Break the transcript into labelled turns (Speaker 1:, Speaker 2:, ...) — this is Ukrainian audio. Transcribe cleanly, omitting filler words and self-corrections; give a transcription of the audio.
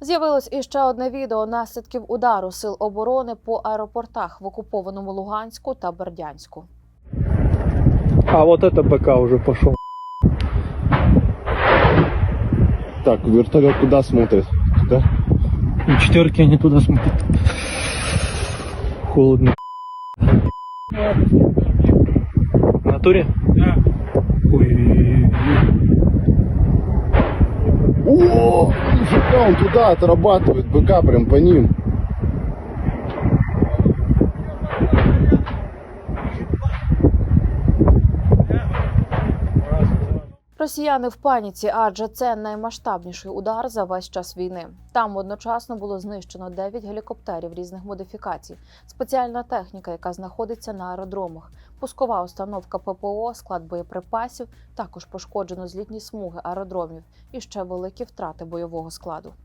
Speaker 1: З'явилось іще одне відео наслідків удару сил оборони по аеропортах в окупованому Луганську та Бердянську.
Speaker 2: А вот это БК уже пошел.
Speaker 3: Так, вертолет куда смотрит? Туда?
Speaker 2: И четверки они туда смотрят. Холодно. В натуре? Да. Ой.
Speaker 3: О, нифига, он туда отрабатывает, БК прям по ним.
Speaker 1: Росіяни в паніці, адже це наймасштабніший удар за весь час війни. Там одночасно було знищено 9 гелікоптерів різних модифікацій, спеціальна техніка, яка знаходиться на аеродромах, пускова установка ППО, склад боєприпасів, також пошкоджено злітні смуги аеродромів і ще великі втрати бойового складу.